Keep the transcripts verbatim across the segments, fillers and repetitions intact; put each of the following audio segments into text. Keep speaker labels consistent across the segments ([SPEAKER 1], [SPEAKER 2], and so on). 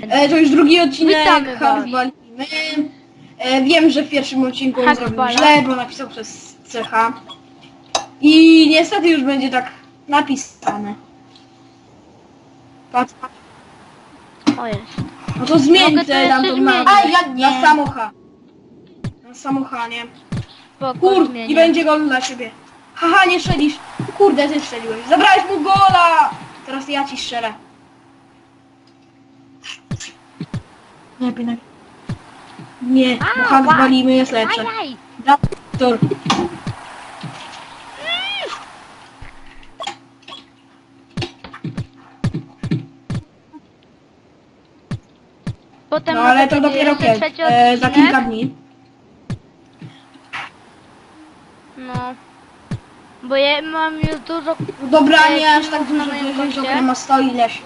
[SPEAKER 1] E, to już drugi odcinek,
[SPEAKER 2] Witamy was.
[SPEAKER 1] Hardbalimy. E, wiem, że w pierwszym odcinku on zrobił
[SPEAKER 2] Hardbala.
[SPEAKER 1] źle, bo napisał przez C H. I niestety już będzie tak napisane. Patrz, patrz.
[SPEAKER 2] O jest.
[SPEAKER 1] No to zmień
[SPEAKER 2] Mogę to
[SPEAKER 1] te tam
[SPEAKER 2] jeszcze
[SPEAKER 1] tą nazwę.
[SPEAKER 2] zmienić.
[SPEAKER 1] A, ja nie. Na samocha. Na samocha, nie?
[SPEAKER 2] Spoko,
[SPEAKER 1] Kur,
[SPEAKER 2] zmienię.
[SPEAKER 1] i będzie gol dla ciebie. Haha, nie strzelisz. Kurde, ty strzeliłeś. Zabrałeś mu gola! Teraz ja ci strzelę.
[SPEAKER 3] Nie, pinek.
[SPEAKER 1] Nie, bo
[SPEAKER 2] A,
[SPEAKER 1] Hardbalimy jest lepsze.
[SPEAKER 2] Ajaj.
[SPEAKER 1] Doktor.
[SPEAKER 2] Potem
[SPEAKER 1] No ale
[SPEAKER 2] może
[SPEAKER 1] to
[SPEAKER 2] będzie
[SPEAKER 1] dopiero
[SPEAKER 2] jeszcze
[SPEAKER 1] kiedy?
[SPEAKER 2] trzeci
[SPEAKER 1] E, za
[SPEAKER 2] odcinek.
[SPEAKER 1] kilka dni.
[SPEAKER 2] No. Bo ja mam już dużo...
[SPEAKER 1] Dobra,
[SPEAKER 2] E,
[SPEAKER 1] nie aż tak
[SPEAKER 2] filmów na
[SPEAKER 1] dużo,
[SPEAKER 2] moim
[SPEAKER 1] że
[SPEAKER 2] koncie.
[SPEAKER 1] Joker ma sto ileś.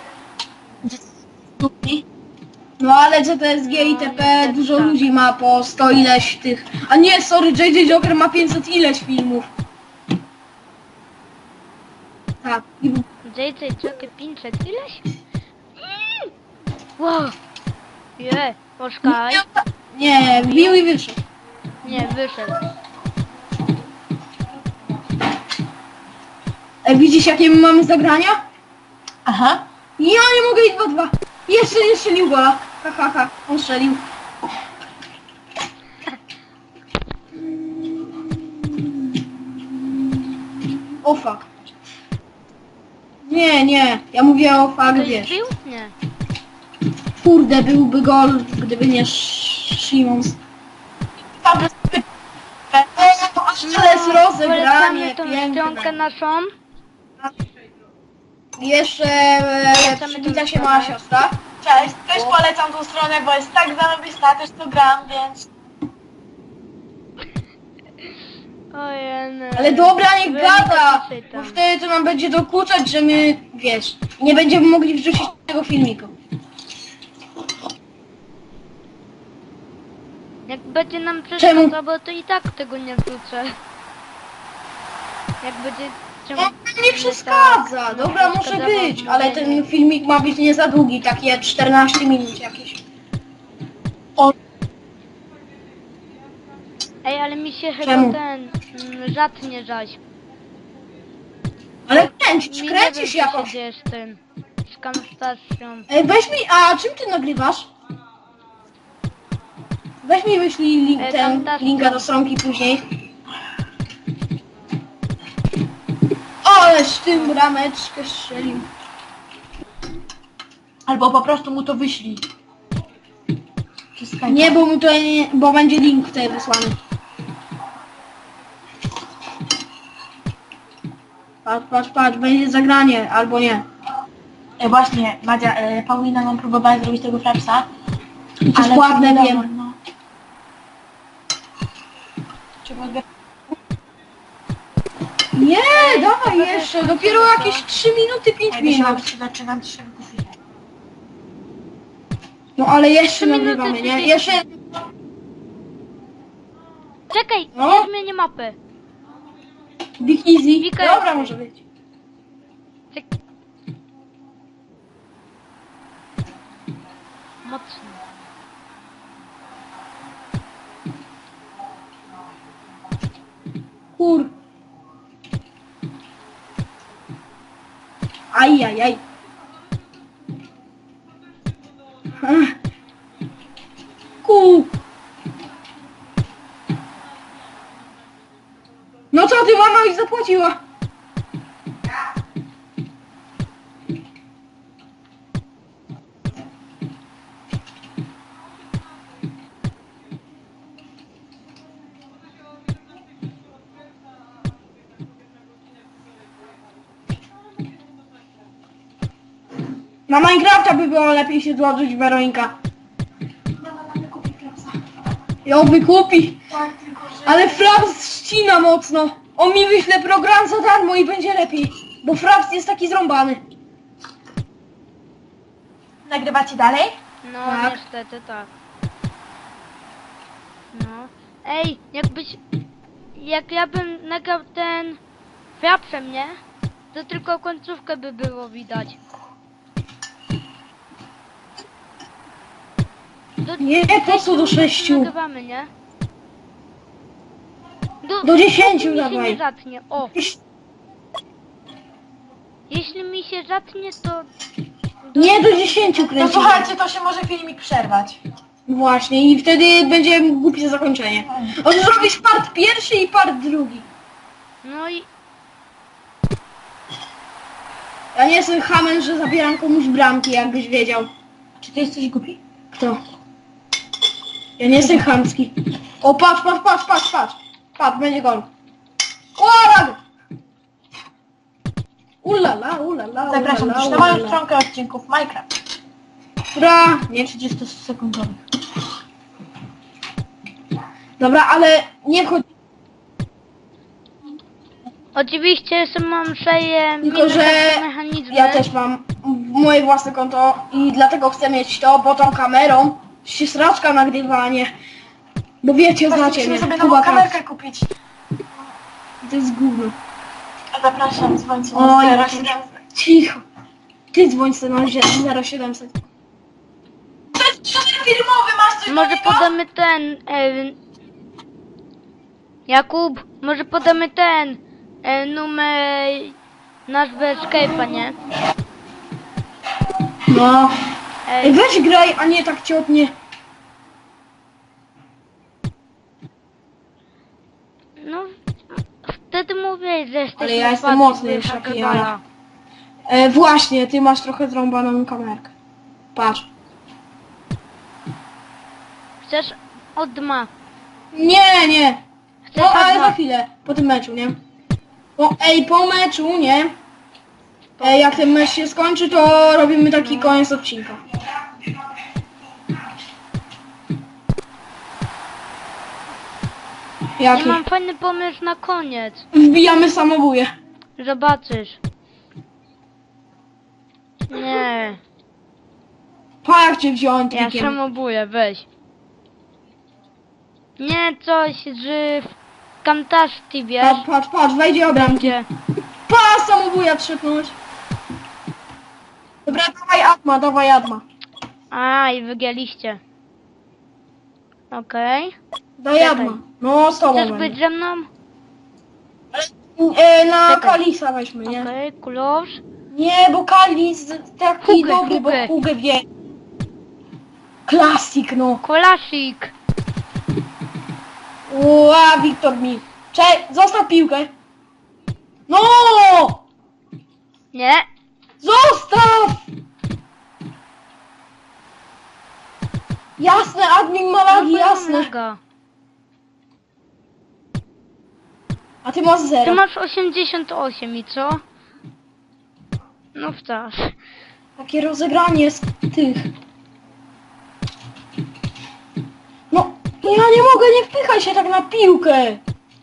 [SPEAKER 1] No ale C T S G i
[SPEAKER 2] No,
[SPEAKER 1] T P
[SPEAKER 2] niestety
[SPEAKER 1] dużo
[SPEAKER 2] tak.
[SPEAKER 1] ludzi ma po sto ileś tych. A nie, sorry, J J Joker ma pięćset ileś filmów. Tak. I
[SPEAKER 2] J J Joker pięćset ileś? Mm. Wow. Je, poczekaj.
[SPEAKER 1] Nie, wbił i wyszedł.
[SPEAKER 2] Nie, wyszedł.
[SPEAKER 1] E, widzisz jakie my mamy zagrania?
[SPEAKER 3] Aha.
[SPEAKER 1] Ja nie mogę iść dwa dwa. Jeszcze nie strzelił gola. Ha ha ha, on strzelił. O fuck. Nie, nie, ja mówię o fuck,
[SPEAKER 2] Ktoś
[SPEAKER 1] wiesz.
[SPEAKER 2] wbił? Nie.
[SPEAKER 1] Kurde, byłby gol, gdyby nie Sz- Szymons.
[SPEAKER 3] Dobra,
[SPEAKER 1] Ale jest rozegranie,
[SPEAKER 2] Polecamy tą
[SPEAKER 1] piękne.
[SPEAKER 2] stronkę naszą.
[SPEAKER 1] Jeszcze e,
[SPEAKER 2] Polecamy
[SPEAKER 1] przywita
[SPEAKER 2] tą
[SPEAKER 1] się moja
[SPEAKER 2] stronę.
[SPEAKER 1] siostra.
[SPEAKER 3] cześć. Też polecam tą stronę, bo jest tak zarobista, też to gram, więc...
[SPEAKER 2] Ojej.
[SPEAKER 1] Ale dobra, nie
[SPEAKER 2] Wy
[SPEAKER 1] gada,
[SPEAKER 2] nie
[SPEAKER 1] bo
[SPEAKER 2] czytam.
[SPEAKER 1] wtedy to nam będzie dokuczać, że my, wiesz, nie będziemy mogli wrzucić tego filmiku.
[SPEAKER 2] Jak będzie nam
[SPEAKER 1] Czemu?
[SPEAKER 2] przeszkadzało, to i tak tego nie wrzucę. Jak będzie...
[SPEAKER 1] No, nie przeszkadza,
[SPEAKER 2] tak,
[SPEAKER 1] dobra,
[SPEAKER 2] nie
[SPEAKER 1] może
[SPEAKER 2] przeszkadzało
[SPEAKER 1] być,
[SPEAKER 2] w
[SPEAKER 1] ale
[SPEAKER 2] mówieniu.
[SPEAKER 1] ten filmik ma być nie za długi, takie czternaście minut jakieś.
[SPEAKER 2] Ej, ale mi się chyba
[SPEAKER 1] Czemu?
[SPEAKER 2] ten... mm, Rzadnie żać.
[SPEAKER 1] Ale kręcisz,
[SPEAKER 2] Mi
[SPEAKER 1] kręcisz
[SPEAKER 2] nie wiem, co
[SPEAKER 1] jakoś.
[SPEAKER 2] się dzieje z tym. Z kamstacją.
[SPEAKER 1] Ej, weź mi, a czym ty nagrywasz? Weź mi wyślij link,
[SPEAKER 2] E,
[SPEAKER 1] ten,
[SPEAKER 2] fantastycznie.
[SPEAKER 1] linka do stronki później. Ależ tym brameczkę strzelił.
[SPEAKER 3] Albo po prostu mu to wyślij. Czy Skype'a.
[SPEAKER 1] Nie, bo mu to nie, bo będzie link tutaj wysłany. Patrz, patrz, patrz, będzie zagranie, albo nie.
[SPEAKER 3] E, właśnie, Madzia, e, Paulina nam próbowała zrobić tego frapsa.
[SPEAKER 1] I to jest
[SPEAKER 3] ale
[SPEAKER 1] ładne,
[SPEAKER 3] nie dało,
[SPEAKER 1] wiem.
[SPEAKER 3] no. Trzeba odbierać.
[SPEAKER 1] Nie, dawaj jeszcze, dopiero jakieś trzy minuty, pięć
[SPEAKER 3] Jakby się
[SPEAKER 1] minut.
[SPEAKER 3] się zaczynam trzech kupić.
[SPEAKER 1] No ale jeszcze
[SPEAKER 2] Trzy minuty,
[SPEAKER 1] nagrywamy, nie?
[SPEAKER 2] trzydzieści.
[SPEAKER 1] Jeszcze...
[SPEAKER 2] Czekaj,
[SPEAKER 1] No.
[SPEAKER 2] ja zmienię mapę.
[SPEAKER 1] Big Easy.
[SPEAKER 2] Wika
[SPEAKER 1] Dobra,
[SPEAKER 2] jest.
[SPEAKER 1] może być.
[SPEAKER 2] Czek... Mocno.
[SPEAKER 1] Kur... Aj, aj, aj. Ach. Ku... No co ty, mama już zapłaciła? Na Minecrafta by było lepiej się złożyć, Weronika. Ją wykupi.
[SPEAKER 3] Tak, tylko że...
[SPEAKER 1] Ale Fraps ścina mocno. On mi wyśle program za darmo i będzie lepiej. Bo Fraps jest taki zrąbany.
[SPEAKER 3] Nagrywacie dalej?
[SPEAKER 2] No
[SPEAKER 1] Tak.
[SPEAKER 2] niestety tak. No. Ej, jakbyś... Jak ja bym nagrał ten... Frapsem, nie? To tylko końcówkę by było widać. Do,
[SPEAKER 1] Nie, po co do sześciu?
[SPEAKER 2] Nagrywamy, nie? Do,
[SPEAKER 1] Do dziesięciu
[SPEAKER 2] mi się
[SPEAKER 1] dawaj.
[SPEAKER 2] nie zatnie. O, jeśli mi się zatnie, to...
[SPEAKER 1] Nie, do dziesięciu
[SPEAKER 3] No
[SPEAKER 1] kręcimy.
[SPEAKER 3] słuchajcie, to się może filmik przerwać.
[SPEAKER 1] Właśnie, i wtedy będzie głupie zakończenie. On zrobisz part pierwszy i part drugi.
[SPEAKER 2] No i...
[SPEAKER 1] Ja nie jestem hamem, że zabieram komuś bramki, jakbyś wiedział. Czy ty jesteś głupi? Kto? Ja nie jestem chamski. O, patrz, patrz, patrz, patrz, patrz. Patrz, będzie gol. Łarak! Ulala, ulala,
[SPEAKER 3] Zapraszam
[SPEAKER 1] ulala,
[SPEAKER 3] też na moją
[SPEAKER 1] ulala.
[SPEAKER 3] stronkę odcinków Minecraft.
[SPEAKER 1] Dobra, nie trzydziestosekundowych. Dobra, ale nie wchodź.
[SPEAKER 2] Oczywiście jeszcze mam szeję
[SPEAKER 1] Tylko, że
[SPEAKER 2] mechanizmy.
[SPEAKER 1] ja też mam moje własne konto i dlatego chcę mieć to, bo tą kamerą się sraczka nagrywanie. Bo wiecie,
[SPEAKER 3] Właśnie
[SPEAKER 1] znacie
[SPEAKER 3] musimy
[SPEAKER 1] mnie.
[SPEAKER 3] sobie
[SPEAKER 1] Kuba
[SPEAKER 3] nową
[SPEAKER 1] Kac.
[SPEAKER 3] kamerkę kupić.
[SPEAKER 1] To jest gówno.
[SPEAKER 3] A zapraszam, dzwońcie
[SPEAKER 1] Oj,
[SPEAKER 3] na
[SPEAKER 1] ja
[SPEAKER 3] zero
[SPEAKER 1] też.
[SPEAKER 3] siedemset.
[SPEAKER 1] Cicho. Ty dzwoń sobie na zero siedemset.
[SPEAKER 3] To jest przód filmowy, masz coś do
[SPEAKER 2] Może
[SPEAKER 3] niego?
[SPEAKER 2] podamy ten... E, Jakub, może podamy ten... E, numer... Nazwę Skype'a, nie?
[SPEAKER 1] No. Ej,
[SPEAKER 2] Ej,
[SPEAKER 1] weź graj, a nie tak ciotnie.
[SPEAKER 2] no... Wtedy mówię, że jesteś...
[SPEAKER 1] Ale ja jestem
[SPEAKER 2] najbardziej
[SPEAKER 1] mocny już,
[SPEAKER 2] wychakowany.
[SPEAKER 1] jak ja. E, właśnie, ty masz trochę zrąbaną kamerkę. Patrz.
[SPEAKER 2] Chcesz od dma.
[SPEAKER 1] Nie, nie.
[SPEAKER 2] Chcesz
[SPEAKER 1] No,
[SPEAKER 2] od
[SPEAKER 1] ale
[SPEAKER 2] dma.
[SPEAKER 1] za chwilę, po tym meczu, nie? Po, ej, po meczu, nie? Ej, jak ten mecz się skończy, to robimy taki koniec odcinka.
[SPEAKER 2] Ja
[SPEAKER 1] Jaki?
[SPEAKER 2] mam fajny pomysł na koniec.
[SPEAKER 1] Wbijamy samobuje.
[SPEAKER 2] Zobaczysz. Nie,
[SPEAKER 1] Pa, jak cię wziąłem
[SPEAKER 2] ja
[SPEAKER 1] trikiem.
[SPEAKER 2] samobuję, weź. Nie, coś z Camtasia, wiesz?
[SPEAKER 1] Patrz, patrz, patrz, wejdzie obramki.
[SPEAKER 2] Gdzie?
[SPEAKER 1] Pa, samobuja trzepnąć. Dobra, dawaj Atma, dawaj Atma.
[SPEAKER 2] A, i wygięliście. Okej.
[SPEAKER 1] Daj
[SPEAKER 2] Czekaj.
[SPEAKER 1] Atma. No, z tobą
[SPEAKER 2] Chcesz
[SPEAKER 1] będę.
[SPEAKER 2] być ze mną?
[SPEAKER 1] E, na
[SPEAKER 2] Czekaj.
[SPEAKER 1] Kalisa weźmy, nie?
[SPEAKER 2] Okej, close.
[SPEAKER 1] Nie, bo Kalis taki
[SPEAKER 2] Hugę,
[SPEAKER 1] dobry,
[SPEAKER 2] Hugę.
[SPEAKER 1] bo Hugę wie. Klasik, no.
[SPEAKER 2] Kolasik.
[SPEAKER 1] Ła, Wiktor mi. Cze, zostaw piłkę. No!
[SPEAKER 2] Nie.
[SPEAKER 1] Zostaw! Jasne, admin ma lagi,
[SPEAKER 2] No,
[SPEAKER 1] jasne.
[SPEAKER 2] noga.
[SPEAKER 1] A ty masz
[SPEAKER 2] Ty
[SPEAKER 1] zero.
[SPEAKER 2] masz osiemdziesiąt osiem i co? No wcale.
[SPEAKER 1] Takie rozegranie z tych. No, ja nie mogę, nie wpychaj się tak na piłkę.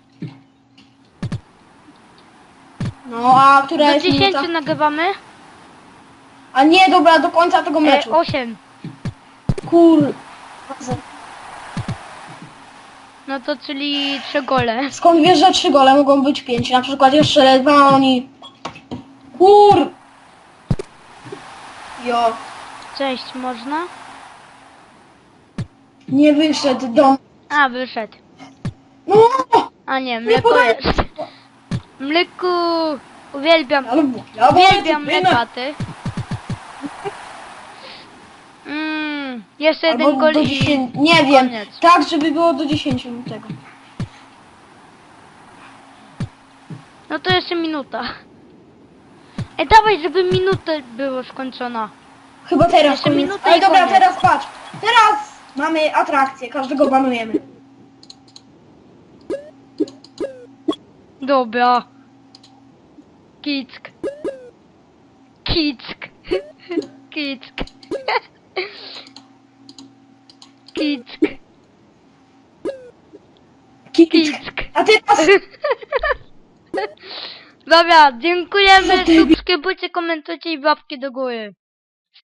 [SPEAKER 1] No, a która
[SPEAKER 2] Do
[SPEAKER 1] jest minuta?
[SPEAKER 2] dziesięciu nagrywamy?
[SPEAKER 1] A nie, dobra, do końca tego
[SPEAKER 2] E,
[SPEAKER 1] meczu.
[SPEAKER 2] osiem.
[SPEAKER 1] Kur...
[SPEAKER 2] No to czyli trzy gole.
[SPEAKER 1] Skąd wiesz, że trzy gole mogą być pięć? Na przykład jeszcze dwa oni... Kur... Jo,
[SPEAKER 2] Cześć, można?
[SPEAKER 1] nie wyszedł do...
[SPEAKER 2] A, wyszedł.
[SPEAKER 1] No!
[SPEAKER 2] A nie, mleko
[SPEAKER 1] podaj-
[SPEAKER 2] jest. Mleku! Uwielbiam,
[SPEAKER 1] Ale... Ja
[SPEAKER 2] uwielbiam mlekaty. Mmm, jeszcze jeden
[SPEAKER 1] Albo
[SPEAKER 2] gol
[SPEAKER 1] do
[SPEAKER 2] i...
[SPEAKER 1] dziesięciu... Nie wiem,
[SPEAKER 2] koniec.
[SPEAKER 1] tak żeby było do dziesięciu tego.
[SPEAKER 2] No to jeszcze minuta. Ej, dawaj, żeby minuta była skończona.
[SPEAKER 1] Chyba teraz
[SPEAKER 2] Jeszcze
[SPEAKER 1] koniec.
[SPEAKER 2] minuta
[SPEAKER 1] Ale
[SPEAKER 2] i
[SPEAKER 1] dobra,
[SPEAKER 2] koniec.
[SPEAKER 1] teraz patrz. Teraz mamy atrakcję, każdego banujemy.
[SPEAKER 2] Dobra. Kick. Kick. Kick. Kick.
[SPEAKER 1] Kick.
[SPEAKER 2] Kick.
[SPEAKER 1] A teraz...
[SPEAKER 2] Dobra, dziękujemy,
[SPEAKER 1] Za debil.
[SPEAKER 2] subskrybujcie, komentujcie i łapki do góry.